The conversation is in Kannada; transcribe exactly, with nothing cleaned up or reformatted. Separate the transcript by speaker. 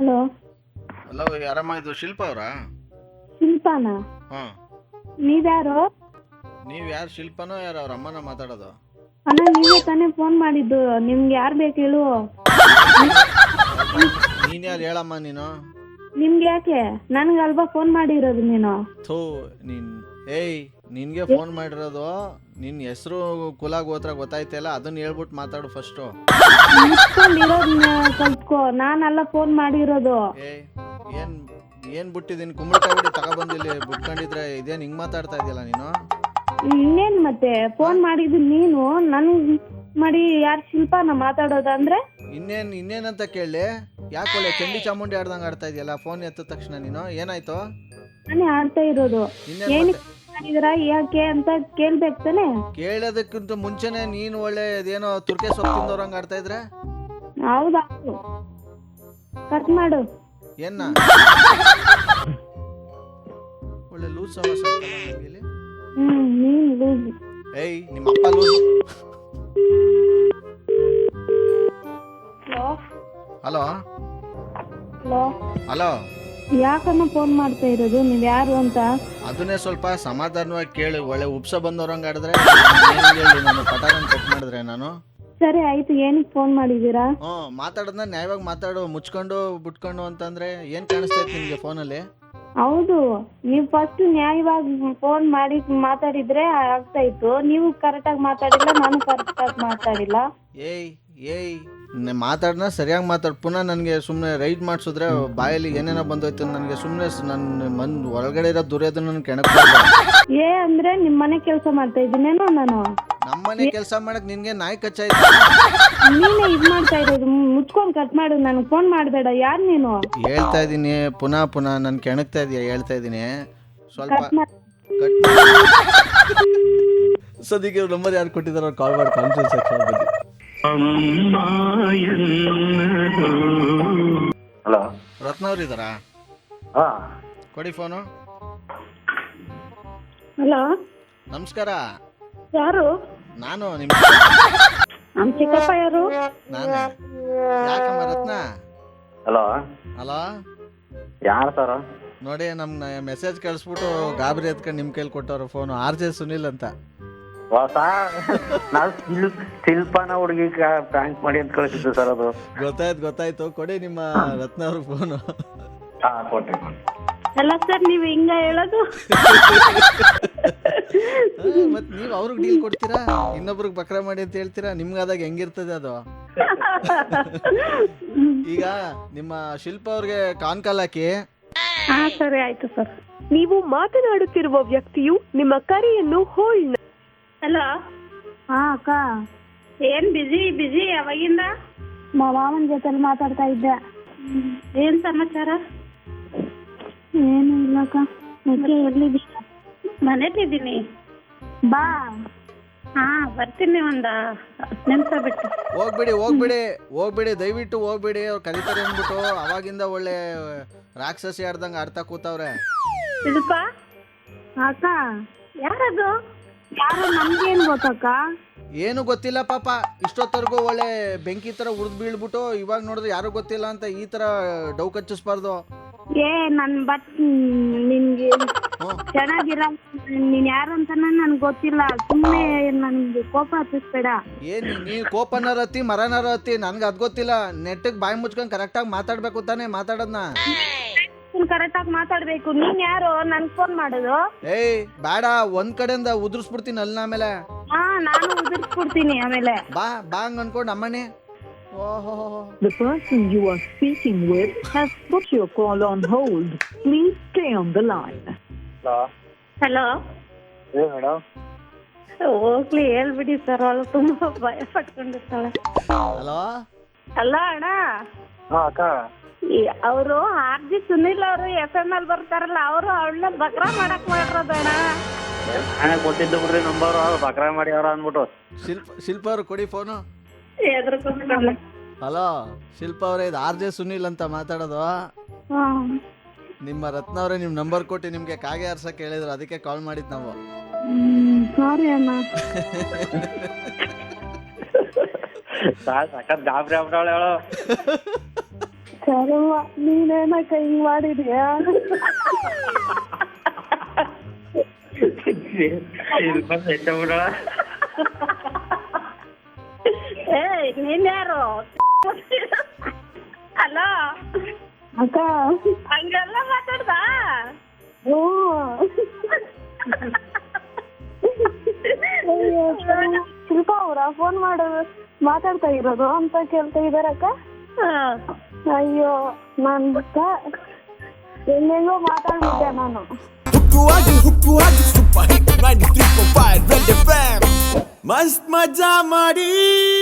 Speaker 1: ಹಲೋ
Speaker 2: ಹಲೋ, ಯಾರಮ್ಮ ಇದು ಶಿಲ್ಪ ಅವರಾ?
Speaker 1: ಶಿಲ್ಪಾನ?
Speaker 2: ಹಾಂ,
Speaker 1: ನೀವ್ಯಾರು?
Speaker 2: ನೀವು ಯಾರು? ಶಿಲ್ಪನೋ ಯಾರು? ಅವ್ರ ಅಮ್ಮನ ಮಾತಾಡೋದು?
Speaker 1: ಅಣ್ಣ ನೀವೇ ತಾನೇ ಫೋನ್ ಮಾಡಿದ್ದು. ನಿಮ್ಗೆ ಯಾರು ಬೇಕು ಹೇಳು?
Speaker 2: ನೀನು ಯಾರು ಹೇಳಮ್ಮ ನೀನು?
Speaker 1: ನಿಮ್ಗೆ ಯಾಕೆ? ನನ್ಗಲ್ವಾ ಫೋನ್ ಮಾಡಿರೋದು ನೀನು?
Speaker 2: ಥೂ ನೀನ್, ಏಯ್ ನಿನ್ಗೆ ಫೋನ್ ಮಾಡಿರೋದು. ನಿನ್ನ ಹೆಸರು ಕುಲ ಗೋತ್ರ ಗೊತ್ತಾಯ್ತಲ್ಲ, ಅದನ್ನ ಹೇಳ್ಬಿಟ್ಟು ಮಾತಾಡು ಫಸ್ಟು.
Speaker 1: ಮುಚ್ಕೊಂಡಿರೋದ್ನ ಕಲ್ತ್ಕೋ. ನಾನಲ್ಲ ಫೋನ್ ಮಾಡಿರೋದು.
Speaker 2: ಏಯ್ ಏನ್ ಏನ್ ಬಿಟ್ಟಿದ್ದೀನಿ? ಕುಂಬಳಕಾಯಿ ಬಿಡಿ ತಗೊಬಂದಿಲ್ಲಿ ಬಿಟ್ಕೊಂಡಿದ್ರೆ ಇದೇನು ಹಿಂಗೆ ಮಾತಾಡ್ತಾ ಇದೆಯಲ್ಲ ನೀನು?
Speaker 1: ಇನ್ನೇನ್ ಮತ್ತೆ ಫೋನ್ ಮಾಡಿದ್ದು ನೀನು, ನನ್ ಮಾಡಿ ಯಾರು ಶಿಲ್ಪಾನ ಮಾತಾಡೋದಂದ್ರೆ?
Speaker 2: ಇನ್ನೇನ್ ಇನ್ನೇನಂತ ಕೇಳಿ? ಯಾಕೆ ಒಳ್ಳೆ ಚಂಡಿ ಚಾಮುಂಡಿ ಆಡ್ದಂಗೆ ಆಡ್ತಾ ಇದೆಯಲ್ಲ ಫೋನ್ ಎತ್ತಿದ ತಕ್ಷಣ ನೀನು? ಏನಾಯ್ತು?
Speaker 1: ನಾನೇ ಆಡ್ತಾ ಇರೋದು.
Speaker 2: ಇನ್ನೇನ್
Speaker 1: ಏನಕ್ಕೆ
Speaker 2: ಮತ್ತೆ?
Speaker 1: ಮಾಡಿದ್ರ ಯಾಕೆ ಅಂತ ಕೇಳ್ಬೇಕು ತಾನೆ?
Speaker 2: ಕೇಳೋದಕ್ಕಿಂತ ಮುಂಚೆನೆ ನೀನು ಒಳ್ಳೆ ಅದೇನೋ ತುರ್ಕೆ ಸೊಪ್ಪು ತಿಂದವ್ರಂಗೆ ಆಡ್ತಾ ಇದ್ರೆ?
Speaker 1: ಹೌದೌದು, ಕಟ್ ಮಾಡು.
Speaker 2: ಏನ್ನ ಒಳ್ಳೆ ಲೂಸ್ ಸವಾಸ ಇಲ್ಲಿ.
Speaker 1: ಹ್ಮ್ ನೀನ್ ಲೂಸ್.
Speaker 2: ಏಯ್ ನಿಮ್ಮ ಅಪ್ಪ loose.
Speaker 1: Hello
Speaker 2: hello
Speaker 1: hello
Speaker 2: hello,
Speaker 1: ಯಾಕನ್ನ ಫೋನ್ ಮಾಡ್ತಾ ಇರೋದು? ನೀವ್ ಯಾರು ಅಂತ?
Speaker 2: ಅದನ್ನೇ ಸ್ವಲ್ಪ ಸಮಾಧಾನವಾಗಿ ಕೇಳಿ. ಒಳ್ಳೆ ಉಪ್ಸ ಬಂದವ್ರಂಗೆ ಆಡಿದ್ರೆ ಏನ್ ಹೇಳಿ ನಾನು ಪಟಾರನ್ ಕಟ್ ಮಾಡಿದ್ರೆ ನಾನು?
Speaker 1: ಸರಿ ಆಯ್ತು, ಏನಕ್ಕೆ ಫೋನ್ ಮಾಡಿದೀರಾ?
Speaker 2: ಹ್ಞೂ, ಮಾತಾಡೋದನ್ನ ನ್ಯಾಯವಾಗಿ ಮಾತಾಡು. ಮುಚ್ಕೊಂಡು ಬಿಟ್ಕೊಂಡು ಅಂತಂದ್ರೆ ಏನ್ ಕಾಣಿಸ್ತೈತೆ ನಿಮ್ಗೆ ಫೋನಲ್ಲಿ?
Speaker 1: ಹೌದು, ನೀವು ಫಸ್ಟ್ ನ್ಯಾಯವಾಗಿ ಫೋನ್ ಮಾಡಿ ಮಾತಾಡಿದ್ರೆ ಆಗ್ತಾ ಇತ್ತು. ನೀವು ಕರೆಕ್ಟಾಗಿ ಮಾತಾಡಿಲ್ಲ, ನಾನು ಕರೆಕ್ಟಾಗಿ ಮಾತಾಡಿಲ್ಲ.
Speaker 2: ಏಯ್ ಏಯ್ ಮಾತಾಡ್ನ ಸರಿಯಾಗಿ ಮಾತಾಡ್. ಪುನಃ ನನಗೆ ಸುಮ್ಮನೆ ರೈಡ್ ಮಾಡಿಸಿದ್ರೆ ಬಾಯಲ್ಲಿ ಏನೇನೋ ಬಂದೋಯ್ತು ನನಗೆ. ಸುಮ್ಮನೆ ನನ್ನ ಮನ್ ಒಳಗಡೆ ಇರೋ ದುರ್ಯೋಧನ ನನ್ನ ಕೆಣಕ್ಬಾರ್ದು.
Speaker 1: ಏ ಅಂದ್ರೆ ನಿಮ್ಮ ಮನೆ ಕೆಲಸ ಮಾಡ್ತಾ ಇದ್ದೀನೇನೋ ನಾನು?
Speaker 2: ನಮ್ಮನೆ ಕೆಲಸ ಮಾಡಕ್ ನಿನ್ಗೆ ನಾಯಿ ಕಚ್ಚಾಯ್ತು?
Speaker 1: ನೀನೇ ಇದ್ ಮಾಡ್ತಾ ಇರೋದು. ಮುಚ್ಕೊಂಡ್ ಕಟ್ ಮಾಡು, ನನಗೆ ಫೋನ್ ಮಾಡಬೇಡ. ಯಾರು ನೀನು? ಹೇಳ್ತಾ
Speaker 2: ಇದೀನಿ ಪುನಃ ಪುನಃ ನನ್ ಕೆಣಕ್ತಾ ಇದೀಯ. ಹೇಳ್ತಾ ಇದೀನಿ ಸ್ವಲ್ಪ
Speaker 1: ಕಟ್ ಮಾಡು.
Speaker 2: ಕಟ್ ಸದ್ಯಕ್ಕೆ ನಂಬರ್ ಯಾರು ಕೊಟ್ಟಿದಾರೋ ಕಾಲ್ ಮಾಡಿ ಕಾನ್ಫರೆನ್ಸ್ ಸೆಕ್ಷನ್ ಬಗ್ಗೆ.
Speaker 3: ಹಲೋ,
Speaker 2: ರತ್ನ ಅವ್ರು ಇದ್ದಾರಾ?
Speaker 3: ಹಾ
Speaker 2: ಕೊಡಿ ಫೋನು.
Speaker 1: ಹಲೋ,
Speaker 2: ನಮಸ್ಕಾರ.
Speaker 1: ಯಾರು?
Speaker 2: ನಾನು ನಿಮ್ಮ
Speaker 1: ನಮ್ ಚಿಕ್ಕಪ್ಪ. ಯಾರು?
Speaker 2: ನಾನೇ. ಯಾಕಮ್ಮ ರತ್ನ?
Speaker 3: ಹಲೋ,
Speaker 2: ಹಲೋ,
Speaker 3: ಯಾರು ಸರ್?
Speaker 2: ನೋಡಿ ನಮ್ನ ಮೆಸೇಜ್ ಕಳಿಸ್ಬಿಟ್ಟು ಗಾಬರಿ ಎತ್ಕೊಂಡು ನಿಮ್ಮ ಕೈಲಿ ಕೊಟ್ಟವ್ರು ಫೋನು. ಆರ್ ಜೆ ಸುನಿಲ್ ಅಂತ.
Speaker 3: ಹೊಸ ನಾವು ಶಿಲ್ಪ್ ಶಿಲ್ಪನ ಹುಡುಗಿ ಪ್ರ್ಯಾಂಕ್ ಮಾಡಿ ಅಂತ ಕಳಿಸಿದ್ದು ಸರ್. ಅದು
Speaker 2: ಗೊತ್ತಾಯ್ತು ಗೊತ್ತಾಯ್ತು. ಕೊಡಿ ನಿಮ್ಮ ರತ್ನ ಅವ್ರ ಫೋನು.
Speaker 3: ಹಾ ಕೊಟ್ಟೆ.
Speaker 1: ಅಲ್ಲ ಸರ್, ನೀವು ಹಿಂಗ ಹೇಳೋದು?
Speaker 2: ಮತ್ ನೀವ್ ಅವ್ರಿಗೆ ಡೀಲ್ ಕೊಡ್ತೀರಾ, ಇನ್ನೊಬ್ರಿಗೆ ಬಕ್ರ ಮಾಡಿ ಅಂತ ಹೇಳ್ತೀರಾ? ನಿಮ್ಗಾದಾಗ ಹೆಂಗಿರ್ತದೆ ಅದು? ಈಗ ನಿಮ್ಮ ಶಿಲ್ಪ ಅವ್ರಿಗೆ ಕಾನ್ ಕಾಲ್ ಹಾಕಿ.
Speaker 1: ಹಾ ಸರಿ ಆಯ್ತು ಸರ್.
Speaker 4: ನೀವು ಮಾತನಾಡುತ್ತಿರುವ ವ್ಯಕ್ತಿಯು ನಿಮ್ಮ ಕರೆಯನ್ನು ಹೋಲ್ಡ್.
Speaker 1: ಹಲೋ. ಹಾ ಅಕ್ಕ, ಏನ್ ಬಿಜಿ ಬಿಜಿ ಯಾವಾಗಿಂದ? ಮಾವನ ಜೊತೆಲಿ ಮಾತಾಡ್ತಾ ಇದ್ದೆ. ಏನ್ ಸಮಾಚಾರ? ಏನು ಇಲ್ಲಕ್ಕ. ಮತ್ತೆ ಎಲ್ಲಿದ್ದೀಯ? ಮನೇಲಿದ್ದೀನಿ. ಬಾ. ಹಾ ಬರ್ತೀನಿ, ಒಂದ ಹತ್ತು ನಿಮಿಷ ಬಿಟ್ಟು.
Speaker 2: ಹೋಗ್ಬಿಡಿ ಹೋಗ್ಬಿಡಿ ಹೋಗ್ಬಿಡಿ ದಯವಿಟ್ಟು ಹೋಗ್ಬಿಡಿ. ಅವ್ರು ಕಲಿತಾರೆ ಅಂದ್ಬಿಟ್ಟು ಅವಾಗಿಂದ ಒಳ್ಳೆ ರಾಕ್ಷಸಿ ಆಡ್ದಂಗೆ ಆಡ್ತಾ ಕೂತವ್ರೆ.
Speaker 1: ಶಿಲ್ಪ ಅಕ್ಕ? ಯಾರದು? ಯಾರು? ನಮ್ಗೇನ್ ಗೊತ್ತಕ್ಕ?
Speaker 2: ಏನು ಗೊತ್ತಿಲ್ಲ ಪಾಪ. ಇಷ್ಟೊತ್ತವರೆಗೂ ಒಳ್ಳೆ ಬೆಂಕಿ ತರ ಉರ್ದ್ ಬೀಳ್ಬಿಟ್ಟು ಇವಾಗ ನೋಡಿದ್ರೆ ಯಾರು ಗೊತ್ತಿಲ್ಲ ಅಂತ ಈ ತರ ಡೌ ಕಚ್ಚಿಸ್ಬಾರ್ದು.
Speaker 1: ಏ ನನ್ ಬಟ್ ನಿನ್ಗೆ ಚೆನ್ನಾಗಿರ. ನೀನ್ ಯಾರು ಅಂತ ನನ್ಗೆ ಗೊತ್ತಿಲ್ಲ. ಸುಮ್ಮನೆ ನನ್ಗೆ ಕೋಪ ಹತ್ತಿಸ್ಬೇಡ.
Speaker 2: ಏನ್ ನೀ ಕೋಪನಾರ ಹತ್ತಿ ಮರನಾರ ಹತ್ತಿ, ನನ್ಗೆ ಅದ್ ಗೊತ್ತಿಲ್ಲ. ನೆಟ್ಟಿಗೆ ಬಾಯಿ ಮುಚ್ಕೊಂಡ್ ಕರೆಕ್ಟಾಗಿ ಮಾತಾಡ್ಬೇಕು ತಾನೆ ಮಾತಾಡೋದ್ನ.
Speaker 1: ಕರೆಕ್ಟಾಗಿ ಮಾತಾಡ್ಬೇಕು. ನೀನ್ ಯಾರು ನನ್ ಫೋನ್ ಮಾಡೋದು?
Speaker 2: ಏಯ್ ಬೇಡ, ಒಂದ್ ಕಡೆಯಿಂದ ಉದುರಿಸ್ಬಿಡ್ತೀನಿ ಅಲ್ಲಿ. ಆಮೇಲೆ
Speaker 1: ಹಾ ನಾನು ಉದುರಿಸ್ಬಿಡ್ತೀನಿ ಆಮೇಲೆ.
Speaker 2: ಬಾ ಬಾ ಹಂಗ ಅನ್ಕೊಂಡ್ ಅಮ್ಮನೇ. ಓಹೋ,
Speaker 5: The person you are speaking with has put your call on hold. Please stay on the line.
Speaker 3: Hello.
Speaker 1: Hello.
Speaker 3: ಏ ಮೇಡಮ್?
Speaker 1: ಹೋಗ್ಲಿ ಹೇಳ್ಬಿಡಿ ಸರ್, ಅವಳು ತುಂಬಾ ಭಯ ಪಟ್ಕೊಂಡಿರ್ತಾಳೆ.
Speaker 2: ಹಲೋ.
Speaker 1: ಅಲ್ಲ ಅಣ್ಣ,
Speaker 3: ಹಾ ಅಕ್ಕ.
Speaker 1: ಅವರು ಆರ್ ಜಿ ಸುನಿಲ್ ಅವರು ಎಫ್ ಎಂ ಎಲ್ ಬರ್ತಾರಲ್ಲ, ಅವರು ಅವಳನ್ನ ಬಕ್ರಾ ಮಾಡಕ್ ಮಾಡಿರೋದಣ್ಣ.
Speaker 3: ನಾನೇ ಕೊಟ್ಟಿದ್ದು ಬಿಡ್ರಿ ನಂಬರ್. ಬಕ್ರಾ ಮಾಡಿ ಅವ್ರ ಅಂದ್ಬಿಟ್ಟು.
Speaker 2: ಶಿಲ್ಪ ಶಿಲ್ಪ ಅವ್ರು ಕೊಡಿ ಫೋನು.
Speaker 1: ಎದ್ರಕೊಂಡ್ಬಿಟ್ಟಲ್ಲ.
Speaker 2: ಹಲೋ ಶಿಲ್ಪ ಅವರೇ, ಇದು ಆರ್ ಜೆ ಸುನಿಲ್ ಅಂತ ಮಾತಾಡೋದು. ನಿಮ್ಮ ರತ್ನ ಅವರೇ ನಿಮ್ಮ ನಂಬರ್ ಕೊಟ್ಟು ನಿಮ್ಗೆ ಕಾಗೆ ಆರ್ಸಕ್ಕೆ ಹೇಳಿದ್ರು, ಅದಕ್ಕೆ ಕಾಲ್ ಮಾಡಿದ್ ನಾವು.
Speaker 1: ಸಾರಿ ಅಣ್ಣ.
Speaker 3: ಸಖತ್ ಗಾಬರಿ ಆಗ್ಬಿಟ್ಟವಳೆ ಅವಳು.
Speaker 1: ಕರ್ಮ ನೀನೇನಕ್ಕ ಹಿಂಗ್ ಮಾಡಿದ್ಯಾ?
Speaker 3: ಶಿಲ್ಪ ಎಷ್ಟಬಿಡ
Speaker 1: ಏಯ್ ನೀನ್ ಯಾರು? ಹಲೋ ಅಕ್ಕ, ಹಂಗೆಲ್ಲ ಮಾತಾಡ್ದ? ಹ್ಞೂ. ಶಿಲ್ಪ ಅವರ ಫೋನ್ ಮಾಡೋದು ಮಾತಾಡ್ತಾ ಇರೋದು ಅಂತ ಕೇಳ್ತಾ ಇದಾರಕ್ಕ. ಅಯ್ಯೋ ನನ್ ಬಿಟ್ಟ ಹೆಂಗೆಂಗೋ ಮಾತಾಡ್ಬಿಟ್ಟೆ ನಾನು.
Speaker 6: ಹುಕ್ಕುವಾಗಿ ಹುಕ್ಕುವಾಗಿ super hit ninety three point five red FM ಎಂ ಮಸ್ತ್ ಮಜಾ ಮಾಡಿ.